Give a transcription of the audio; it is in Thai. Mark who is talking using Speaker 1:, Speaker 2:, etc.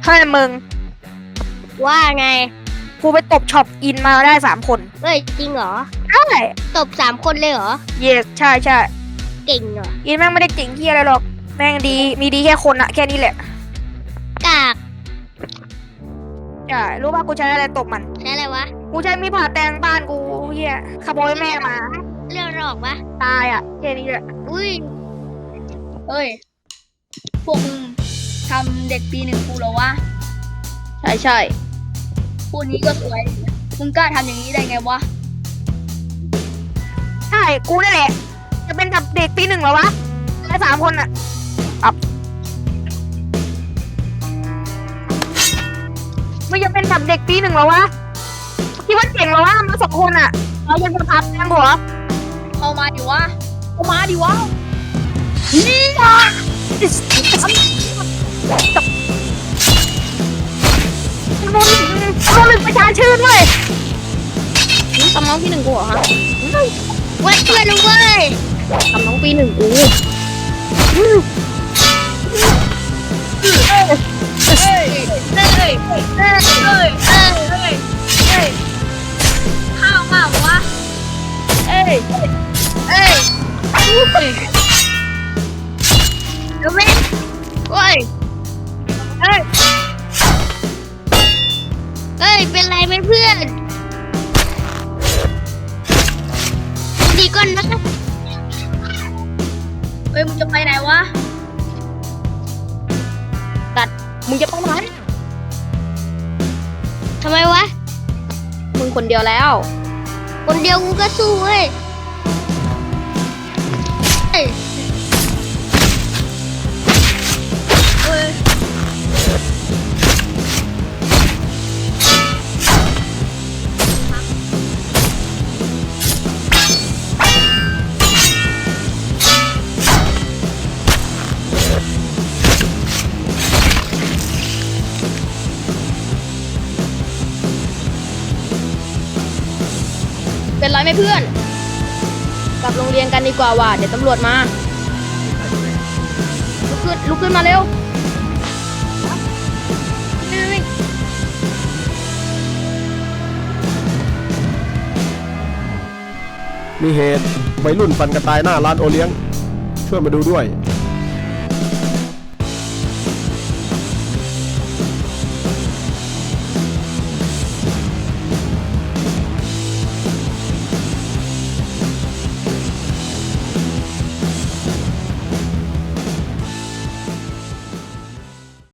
Speaker 1: ให้มึง
Speaker 2: ว่าไง
Speaker 1: กูไปตบช็อปอินมาได้3 คน
Speaker 2: เฮ้ยจริงเหรอ
Speaker 1: ใช่
Speaker 2: ตบ3 คนเลยเหรอ
Speaker 1: เยสใช่ใช่
Speaker 2: เก่งเหรอ
Speaker 1: อินแม่งไม่ได้เจ๋งเฮียอะไรหรอกแม่งดีมีดีแค่คนอะแค่นี้แหละ
Speaker 2: กาก
Speaker 1: ใช่รู้ป่ะกูใช้อะไรตบมัน
Speaker 2: ใช่อะไรวะ
Speaker 1: กูใช้มีดผ่าแตงบ้านกูเฮียขโมยแม่มา
Speaker 2: เรื่องหลอกปะ
Speaker 1: ตายอะแค่นี้แหละ
Speaker 2: อุ้ย
Speaker 3: เฮ้ย พวกมึงทำเด็กปี 1กูเหรอวะ
Speaker 1: ใช่ใช่
Speaker 3: พูดนี้ก็สวย มึงกล้าทำอย่างนี้ได้ไงวะ
Speaker 1: ใช่กูนั่นแหละจะเป็นกับเด็กปี 1เหรอวะแค่3 คนอะไม่จะเป็นกับเด็กปี 1เหรอวะคิดว่าเจ๋งเหรอวะมา2 คนอะเรายังจะพับแตงหัว
Speaker 3: เข้ามาดิวะ เข้ามาดิวะ
Speaker 1: มันเป็นประชาชื่นเว้ย
Speaker 2: ทำน้องปี 1กูเหรอฮะเว้ยเพื่อนรู้เว้ยทำน้องปี 1กู
Speaker 3: เฮ้ย เฮ้ย เฮ้ย เฮ้ย เฮ้ย เฮ้ย เฮ้ย ข้าวมาวะ
Speaker 1: เอ้ย
Speaker 3: เอ้ย
Speaker 2: เดี๋ยวแม่เว้ยเฮ้ย เฮ้ย เป็นไรไหมเพื่อนดีก่อนนะ
Speaker 3: เฮ้ย มึงจะไปไหนวะ
Speaker 2: มึงจะไปไหนทำไมวะ
Speaker 1: มึงคนเดียวแล้ว
Speaker 2: คนเดียวกูก็สู้เว้ยเฮ้ย
Speaker 3: เฮ้ย
Speaker 1: เป็นไรไหมเพื่อน กลับโรงเรียนกันดีกว่าว่ะเดี๋ยวตำรวจมาลุกขึ้นมาเร็ว
Speaker 4: มีเหตุวัยรุ่นฟันกันตายหน้าร้านโอเลี้ยง ช่วยมาดูด้วย